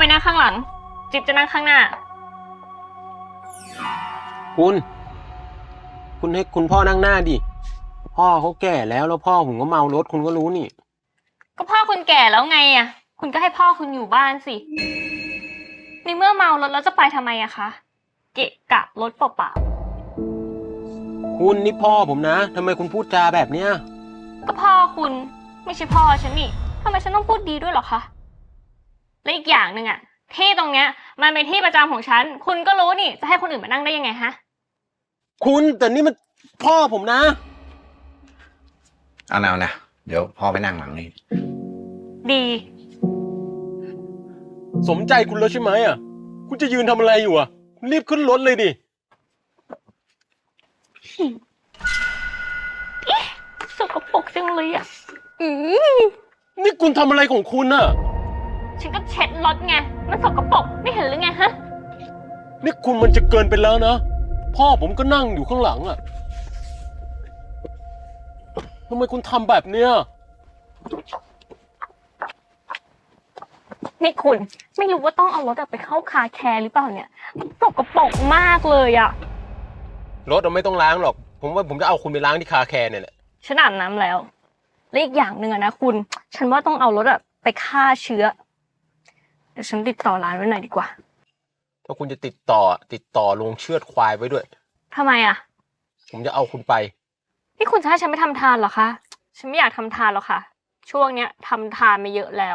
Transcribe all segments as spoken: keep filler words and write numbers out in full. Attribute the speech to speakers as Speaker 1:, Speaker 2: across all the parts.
Speaker 1: ไปนั่งข้างหลังจิ๊บจะนั่งข้างหน้า
Speaker 2: คุณ คุณให้คุณพ่อนั่งหน้าดิพ่อเขาแก่แล้วแล้วพ่อผมก็เมารถคุณก็รู้นี่
Speaker 1: ก็พ่อคุณแก่แล้วไงอ่ะคุณก็ให้พ่อคุณอยู่บ้านสิในเมื่อเมารถแล้วจะไปทำไมอะคะเกะกะรถเปล่า
Speaker 2: ๆคุณนี่พ่อผมนะทำไมคุณพูดจาแบบเนี้ย
Speaker 1: ก็พ่อคุณไม่ใช่พ่อฉันนี่ทำไมฉันต้องพูดดีด้วยหรอคะและอีกอย่างหนึ่งอะที่ตรงเนี้ยมันเป็นที่ประจำของฉันคุณก็รู้นี่จะให้คนอื่นมานั่งได้ยังไงฮะ
Speaker 2: คุณแต่นี่มันพ่อผมนะ
Speaker 3: เอาเอานะเดี๋ยวพ่อไปนั่งหลังนี่
Speaker 1: ดี
Speaker 2: สมใจคุณแล้วใช่ไหมอ่ะคุณจะยืนทำอะไรอยู่อ่ะรีบขึ้นรถเลยดิ
Speaker 1: สกปรกจังเลยอ่ะ
Speaker 2: นี่คุณทำอะไรของคุณอ่ะ
Speaker 1: ฉันก็เช็ดรถไงมันสกปรกไม่เห็นหรือไงฮะ
Speaker 2: นี่คุณมันจะเกินไปแล้วนะพ่อผมก็นั่งอยู่ข้างหลังอ่ะทำไมคุณทำแบบเนี้ย
Speaker 1: นี่คุณไม่รู้ว่าต้องเอารถไปเข้าคาแคร์หรือเปล่าเนี่ยสกปรกมากเลยอ่ะ
Speaker 2: รถเราไม่ต้องล้างหรอกผมว่าผมจะเอาคุณไปล้างที่คาแคร์เนี่ยแหละ
Speaker 1: ฉันอาบน้ำแล้วและอีกอย่างหนึ่งอะนะคุณฉันว่าต้องเอารถอะไปฆ่าเชื้อเดี๋ยวฉันติดต่อร้านไว้หน่อยดีกว่า
Speaker 2: ถ้าคุณจะติดต่อติดต่อลงเชือดควายไว้ด้วย
Speaker 1: ทำไมอะ
Speaker 2: ผมจะเอาคุณไป
Speaker 1: นี่คุณจะให้ฉันไม่ทำทานเหรอคะฉันไม่อยากทำทานหรอกค่ะช่วงเนี้ยทำทานมาเยอะแล้ว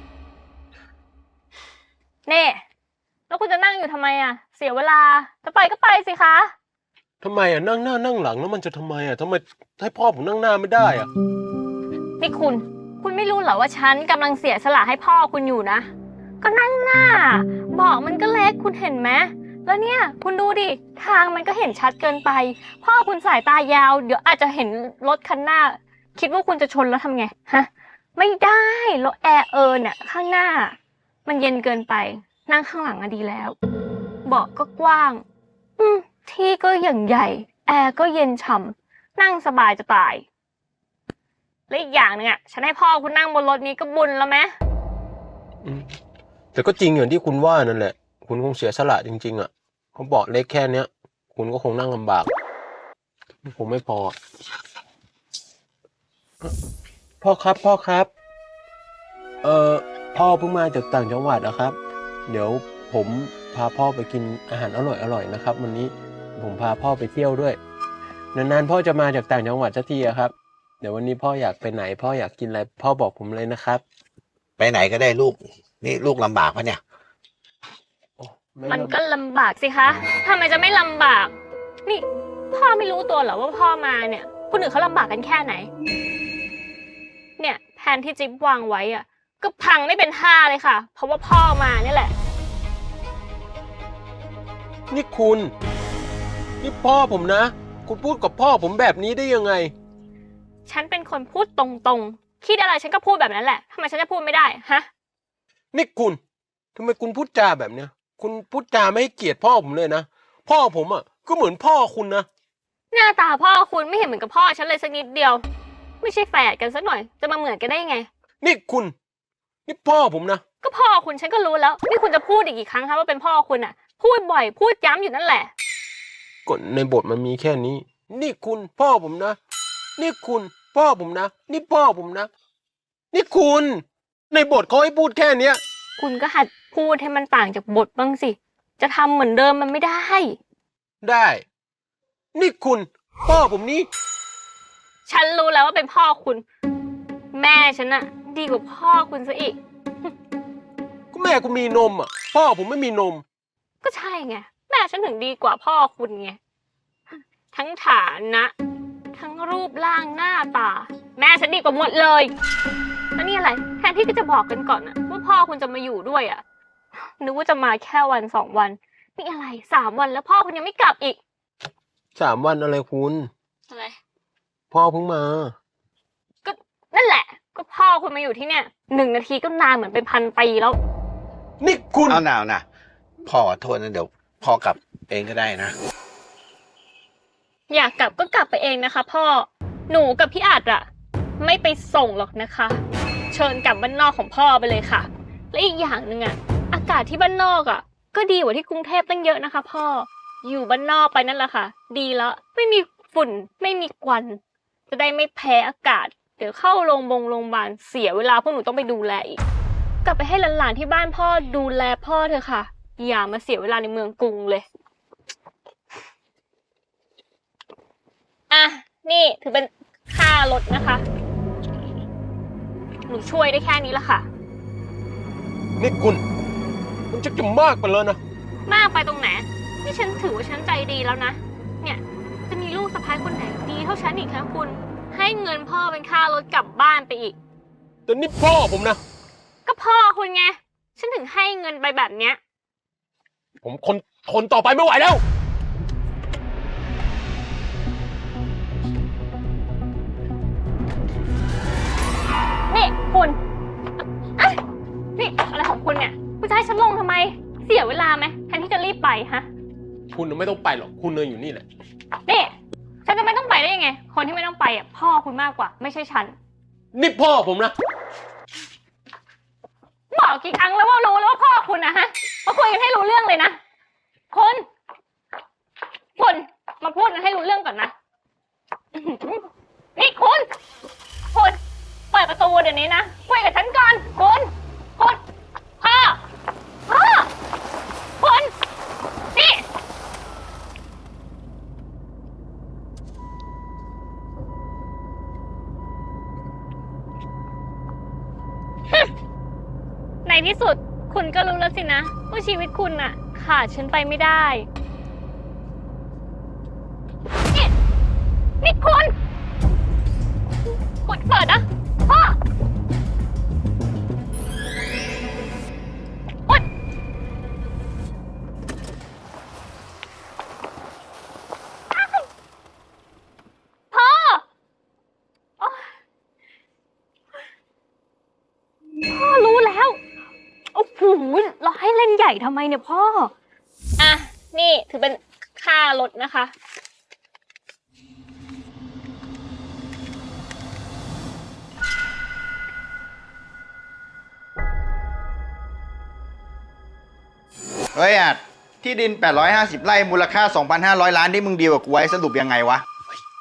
Speaker 1: เน่แล้วคุณจะนั่งอยู่ทำไมอะเสียเวลาจะไปก็ไปสิคะ
Speaker 2: ทำไมอะนั่งหน้านั่งหลังแล้วมันจะทำไมอะทำไมให้พ่อผมนั่งหน้าไม่ได้อะ
Speaker 1: นี่คุณคุณไม่รู้เหรอว่าฉันกำลังเสียสละให้พ่อคุณอยู่นะก็นั่งหน้าเบาะมันก็เล็กคุณเห็นไหมแล้วเนี่ยคุณดูดิทางมันก็เห็นชัดเกินไปพ่อคุณสายตายาวเดี๋ยวอาจจะเห็นรถคันหน้าคิดว่าคุณจะชนแล้วทำไงฮะไม่ได้รถแอร์เออเนี่ยข้างหน้ามันเย็นเกินไปนั่งข้างหลังอะดีแล้วเบาะก็กว้างอืมที่ก็อย่างใหญ่แอร์ก็เย็นฉ่ำนั่งสบายจะตายและอีกอย่างหนึ่งอ่ะฉันให้พ่อคุณนั่งบนรถนี้ก็บุญแล้วไหม
Speaker 2: แต่ก็จริงอย่างที่คุณว่านั่นแหละคุณคงเสียสละจริงๆอ่ะเขาเบาะเล็กแค่เนี้ยคุณก็คงนั่งลำบากผมไม่พอพ่อครับพ่อครับเอ่อพ่อเพิ่งมาจากต่างจังหวัดนะครับเดี๋ยวผมพาพ่อไปกินอาหารอร่อยๆนะครับวันนี้ผมพาพ่อไปเที่ยวด้วยนานๆพ่อจะมาจากต่างจังหวัดสักทีครับเดี๋ยววันนี้พ่ออยากไปไหนพ่ออยากกินอะไรพ่อบอกผมเลยนะครับ
Speaker 3: ไปไหนก็ได้ลูกนี่ลูกลำบากปะเนี่ย
Speaker 1: มันก็ลำบากสิคะทำไมจะไม่ลำบากนี่พ่อไม่รู้ตัวเหรอว่าพ่อมาเนี่ยคนอื่นเขาลำบากกันแค่ไหนเนี่ยแผนที่จิ๊บวางไว้อ่ะก็พังไม่เป็นท่าเลยค่ะเพราะว่าพ่อมานี่แหละ
Speaker 2: นี่คุณนี่พ่อผมนะคุณพูดกับพ่อผมแบบนี้ได้ยังไง
Speaker 1: ฉันเป็นคนพูดตรงๆคิดอะไรฉันก็พูดแบบนั้นแหละทำไมฉันจะพูดไม่ได้ฮะ
Speaker 2: นี่คุณทำไมคุณพูดจาแบบเนี้ยคุณพูดจาไม่ให้เกียรติพ่อผมเลยนะพ่อผมอ่ะก็เหมือนพ่อคุณนะ
Speaker 1: หน้าตาพ่อคุณไม่เห็นเหมือนกับพ่อฉันเลยสักนิดเดียวไม่ใช่แฝดกันสักหน่อยจะมาเหมือนกันได้ยังไง
Speaker 2: นี่คุณนี่พ่อผมนะ
Speaker 1: ก็พ่อคุณฉันก็รู้แล้วนี่คุณจะพูดอีกกี่ครั้งคะว่าเป็นพ่อคุณอ่ะพูดบ่อยพูดย้ำอยู่นั่นแหละ
Speaker 2: กฎในบทมันมีแค่นี้นี่คุณพ่อผมนะนี่คุณพ่อผมนะนี่พ่อผมนะนี่คุณในบทเขาให้พูดแค่เนี้ย
Speaker 1: คุณก็หัดพูดให้มันต่างจากบทบ้างสิจะทำเหมือนเดิมมันไม่ได้
Speaker 2: ได้นี่คุณพ่อผมนี่
Speaker 1: ฉันรู้แล้วว่าเป็นพ่อคุณแม่ฉันน่ะดีกว่าพ่อคุณซะอีก
Speaker 2: ก็แม่กูมีนมอ่ะพ่อผมไม่มีนม
Speaker 1: ก็ใช่ไงแม่ฉันถึงดีกว่าพ่อคุณไงทั้งฐานะทั้งรูปร่างหน้าตาแม่ฉันดีกว่าหมดเลยแล้วนี่อะไรแทนที่ก็จะบอกกันก่อนอะว่าพ่อคุณจะมาอยู่ด้วยอะนึกว่าจะมาแค่วันสองวันนี่อะไรสามวันแล้วพ่อคุณยังไม่กลับอีก
Speaker 2: สามวันอะไรคุณ
Speaker 1: อะไร
Speaker 2: พ่อเพิ่งมา
Speaker 1: ก็นั่นแหละก็พ่อคุณมาอยู่ที่เนี่ยหนึ่งนาทีก็นานเหมือนเป็นพันปีแล้ว
Speaker 2: นี่คุณ
Speaker 3: เอาหนาวนะพ่อโทษนะเดี๋ยวพ่อกลับเองก็ได้นะ
Speaker 1: อยากกลับก็กลับไปเองนะคะพ่อหนูกับพี่อัดอะไม่ไปส่งหรอกนะคะเชิญกลับบ้านนอกของพ่อไปเลยค่ะและอีกอย่างหนึ่งอะอากาศที่บ้านนอกอ่ะ ก็ดีกว่าที่กรุงเทพตั้งเยอะนะคะพ่อ อยู่บ้านนอกไปนั่นแหละค่ะ ดีแล้วไม่มีฝุ่นไม่มีควัน จะได้ไม่แพ้อากาศ เดี๋ยวเข้าโรงพยาบาลโรงพยาบาลเสียเวลาพวกหนูต้องไปดูแลอีก กลับไปให้หลานๆที่บ้านพ่อดูแลพ่อเถอะค่ะ อย่ามาเสียเวลาในเมืองกรุงเลย อ่ะ นี่ถือเป็นค่ารถนะคะ หนูช่วยได้แค่นี้ละค่ะ
Speaker 2: นี่คุณ มันจะจะมากไปแล้วนะ
Speaker 1: มากไปตรงไหน นี่ฉันถือว่าฉันใจดีแล้วนะ เนี่ย จะมีลูกสะใภ้คนไหนดีเท่าฉันอีกคะคุณ ให้เงินพ่อเป็นค่ารถกลับบ้านไปอีก
Speaker 2: แต่นี่พ่อผมนะ
Speaker 1: ก็พ่อคุณไง ฉันถึงให้เงินไปแบบเนี้ย
Speaker 2: ผมคนทนต่อไปไม่ไหวแล้ว
Speaker 1: นี่คุณเอ้ยนี่อะไรของคุณเนี่ย คุณจะให้ฉันลงทำไม เสียเวลาไหมแทนที่จะรีบไปฮะ
Speaker 2: คุณไม่ต้องไปหรอก คุณเนยอยู่นี่แหละ
Speaker 1: นี่ ฉันจะไม่ต้องไปได้ยังไง คนที่ไม่ต้องไปอ่ะพ่อคุณมากกว่า ไม่ใช่ฉัน
Speaker 2: นี่พ่อผมนะ
Speaker 1: บอกกี่ครั้งแล้วว่ารู้แล้วว่าพ่อคุณนะฮะ มาคุยกันให้รู้เรื่องเลยนะคุณคุณมาพูดกันให้รู้เรื่องก่อนนะอื้อหือนี่คุณคุณเปิดประตูเดี๋ยวนี้นะคุยกับฉันก่อนคุณคุณพ่อพ่อคุณนี่ฮึ่มในที่สุดคุณก็รู้แล้วสินะว่าชีวิตคุณน่ะขาดฉันไปไม่ได้นี่นี่คุณคุณเปิดนะพ่อคุณอ้าวพ่อโอ๊ยพ่อรู้แล้ว โอ้โหเราให้เล่นใหญ่ทำไมเนี่ยพ่อ อ่ะ นี่ถือเป็นค่ารถนะคะ
Speaker 3: เฮ้ยอ่ะที่ดินแปดร้อยห้าสิบไร่มูลค่า สองพันห้าร้อย ล้านที่มึงดีลกับกูไว้สรุปยังไงวะ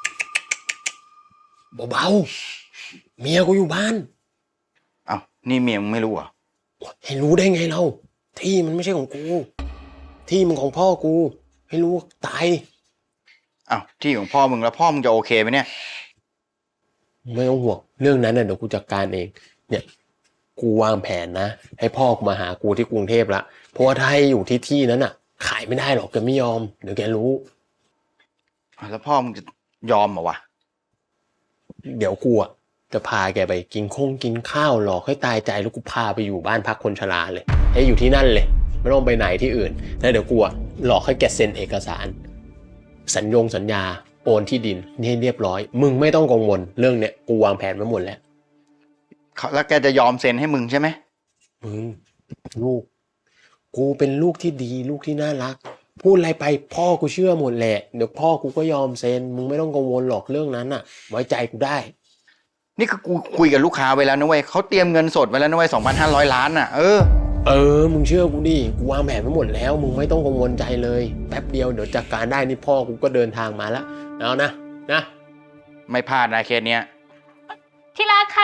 Speaker 2: เบาๆ เมียกูอยู่บ้าน
Speaker 3: เอ้านี่เมียมึงไม่รู้เหรอ
Speaker 2: ให้รู้ได้ไงเรา ที่มันไม่ใช่ของกู ที่มันของพ่อกู ให้รู้ตาย
Speaker 3: เอ้าที่ของพ่อมึงแล้วพ่อมึงจะโอเคไหมเนี่ย
Speaker 2: ไม่ต้องห่วงเรื่องนั้นน่ะเดี๋ยวกูจัดการเอง เนี่ย กูวางแผนนะ ให้พ่อกูมาหากูที่กรุงเทพละเพราะว่าถ้าให้อยู่ที่ที่นั้นน่ะ ขายไม่ได้หรอกแกไม่ยอม เดี๋ยวแกรู้
Speaker 3: แล้วพ่อมึงจะยอมเหรอวะ
Speaker 2: เดี๋ยวกูอ่ะจะพาแกไปกินคงกินข้าวหลอกให้ตายใจแล้วกูพาไปอยู่บ้านพักคนชราเลย ให้อยู่ที่นั่นเลย ไม่ต้องไปไหนที่อื่นแล้วเดี๋ยวกูอ่ะหลอกให้แกเซ็นเอกสาร สัญญงสัญญาโอนที่ดินนี่เรียบร้อย มึงไม่ต้องกังวลเรื่องเนี้ยกูวางแผนไว้หมดแล้ว
Speaker 3: เขาแล้วแกจะยอมเซ็นให้มึงใช่ไหม
Speaker 2: มึงลูก กูเป็นลูกที่ดีลูกที่น่ารัก พูดอะไรไปพ่อกูเชื่อหมดแหละเดี๋ยวพ่อกูก็ยอมเซ็นมึงไม่ต้องกังวลหรอกเรื่องนั้นน่ะ ไว้ใจกูได้
Speaker 3: นี่คือกูคุยกับลูกค้าไว้แล้วนะเว้ยเขาเตรียมเงินสดไว้แล้วนะเว้ย สองพันห้าร้อย ล้านอ่ะ เออ
Speaker 2: เออ มึงเชื่อกูดิ กูวางแผนไว้หมดแล้ว มึงไม่ต้องกังวลใจเลย แป๊บเดียวเดี๋ยวจัดการได้นี่พ่อกูก็เดินทางมาแล้วเอานะ นะ
Speaker 3: ไม่พลาดนะเคสเนี้ย
Speaker 1: ที่รักคะ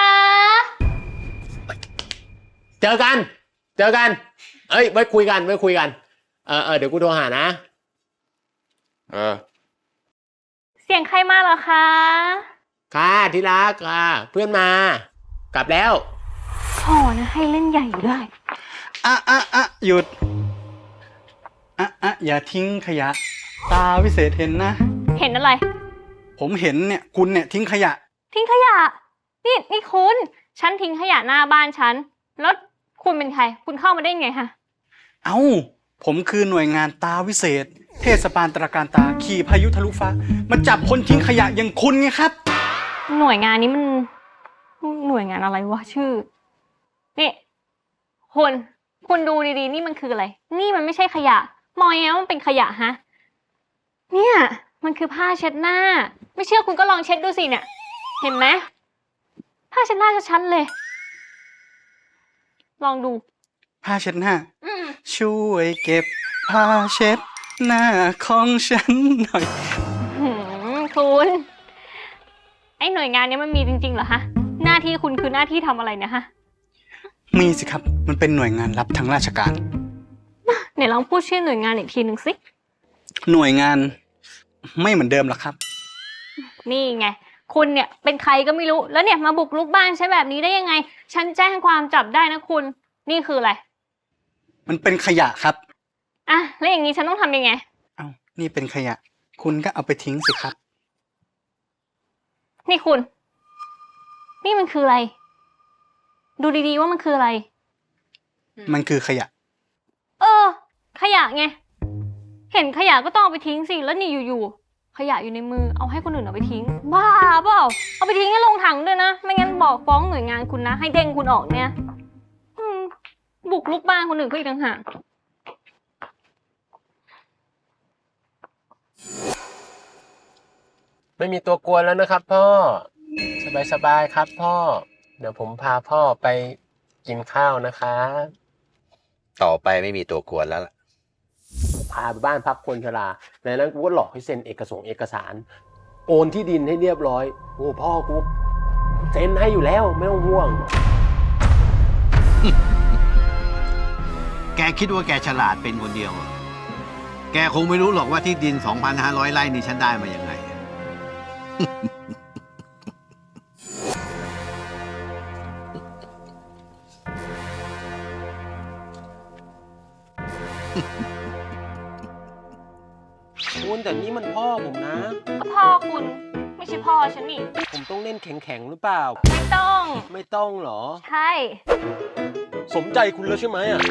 Speaker 2: เจอกัน เจอกัน เอ้ย ไว้คุยกัน ไว้คุยกัน เออเออเดี๋ยวกูโทรหานะ
Speaker 3: เออ
Speaker 1: เสียงใครมาเหรอคะ
Speaker 2: ค่ะที่รักค่ะ เพื่อนมา กลับแล้ว
Speaker 1: พ่อนะให้เล่นใหญ่ด้วย
Speaker 4: อ่ะอ่ะอ่ะหยุดอ่ะอ่ะอย่าทิ้งขยะ ตาวิเศษเห็นนะ
Speaker 1: เห็นอะไร
Speaker 4: ผมเห็นเนี่ยคุณเนี่ยทิ้งขยะ
Speaker 1: ทิ้งขยะ นี่นี่คุณ ฉันทิ้งขยะหน้าบ้านฉัน แล้วคุณเป็นใคร คุณเข้ามาได้ไงฮะ
Speaker 4: เอ้า ผมคือหน่วยงานตาวิเศษ เทศบาลตราการตาขี่พายุทะลุฟ้ามาจับคนทิ้งขยะอย่างคุณไงครับ
Speaker 1: หน่วยงานนี้มัน หน่วยงานอะไรวะชื่อ นี่ คุณ คุณดูดีๆ นี่มันคืออะไร นี่มันไม่ใช่ขยะ มอยแล้วมันเป็นขยะฮะ เนี่ย มันคือผ้าเช็ดหน้า ไม่เชื่อคุณก็ลองเช็ดดูสิเนี่ย เห็นไหมผ้าเช็ดหน้าชัดๆเลย ลองดู
Speaker 4: ผ้าเช็ดหน้า
Speaker 1: อืม
Speaker 4: ช่วยเก็บผ้าเช็ดหน้าของฉันหน่อย
Speaker 1: หืมคุณไอ้หน่วยงานเนี้ยมันมีจริงๆเหรอฮะหน้าที่คุณคือหน้าที่ทำอะไรเนะฮะ
Speaker 4: มีสิครับ มันเป็นหน่วยงานลับทางราชการ
Speaker 1: ไหนลองพูดชื่อหน่วยงานอีกทีหนึ่งสิ
Speaker 4: หน่วยงานไม่เหมือนเดิมหรอกครับ
Speaker 1: นี่ไงคุณเนี่ยเป็นใครก็ไม่รู้แล้วเนี่ยมาบุกรุกบ้านใช้แบบนี้ได้ยังไง ฉันแจ้งความจับได้นะคุณนี่คืออะไร
Speaker 4: มันเป็นขยะครับ
Speaker 1: อ่ะแล้วอย่างนี้ฉันต้องทำยังไง
Speaker 4: เอ้านี่เป็นขยะ คุณก็เอาไปทิ้งสิครับ
Speaker 1: นี่คุณ นี่มันคืออะไร ดูดีๆว่ามันคืออะไร
Speaker 4: มันคือขยะ
Speaker 1: เออ ขยะไงเห็นขยะก็ต้องเอาไปทิ้งสิแล้วนี่อยู่ๆขยะอยู่ในมือเอาให้คนอื่นเอาไปทิ้งบ้าเปล่าเอาไปทิ้งให้ลงถังด้วยนะไม่งั้นบอกฟ้องหน่วยงานคุณนะให้เด้งคุณออกเนี่ยอืมบุกลุกบ้านคนอื่นก็อีกต่างหาก
Speaker 2: ไม่มีตัวกวนแล้วนะครับพ่อ สบายๆครับพ่อ เดี๋ยวผมพาพ่อไปกินข้าวนะครับ
Speaker 5: ต่อไปไม่มีตัวกวนแล้วล่ะ
Speaker 2: พาไปบ้านพักคนชราในนั้นกูก็หลอกให้เซ็นเอกสงค์เอกสาร โอนที่ดินให้เรียบร้อย โอ้พ่อกูเซ็นให้อยู่แล้วไม่ต้องห่วง
Speaker 5: แกคิดว่าแกฉลาดเป็นคนเดียวอะแกคงไม่รู้หรอกว่าที่ดิน สองพันห้าร้อย ไร่นี่ฉันได้มาอย่างไง
Speaker 2: คุณแต่นี่มันพ่อผมนะ
Speaker 1: ก็พ่อคุณไม่ใช่พ่อฉันนี่
Speaker 2: ผมต้องเล่นแข็งๆหรือเปล่า
Speaker 1: ไม่ต้อง
Speaker 2: ไม่ต้องเหรอ
Speaker 1: ใช่
Speaker 2: สมใจคุณแล้วใช่ไหมอ่ะ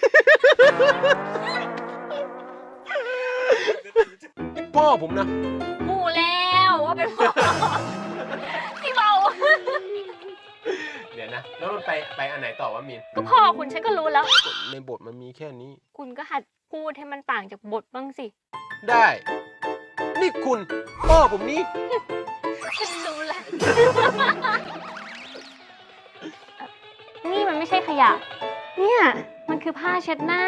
Speaker 2: นี่พ่อผมนะ
Speaker 1: หูแล้วว่าเป็นพ่อ ที่เรา
Speaker 2: เดี๋ยวนะ แล้วมันไปไปอันไหนต่อวะมีน
Speaker 1: ก็พ่อคุณฉันก็รู้แล้ว
Speaker 2: ในบทมันมีแค่นี้
Speaker 1: คุณก็หัดพูดให้มันต่างจากบทบ้างสิ
Speaker 2: ได้ นี่คุณพ่อผมนี่
Speaker 1: ฉันรู้แล้ว นี่มันไม่ใช่ขยะ เนี่ย มันคือผ้าเช็ดหน้า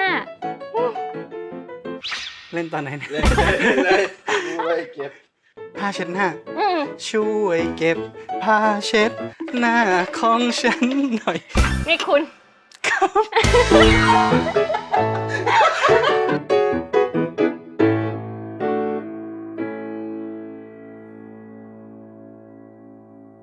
Speaker 4: เล่นตอนไหนเนี่ย
Speaker 5: เลยเลยเลยเก็บ
Speaker 4: ผ้าเช็ดหน้า
Speaker 1: อืม
Speaker 4: ช่วยเก็บผ้าเช็ดหน้าของฉันหน่อย
Speaker 1: นี่คุณ
Speaker 4: ครับ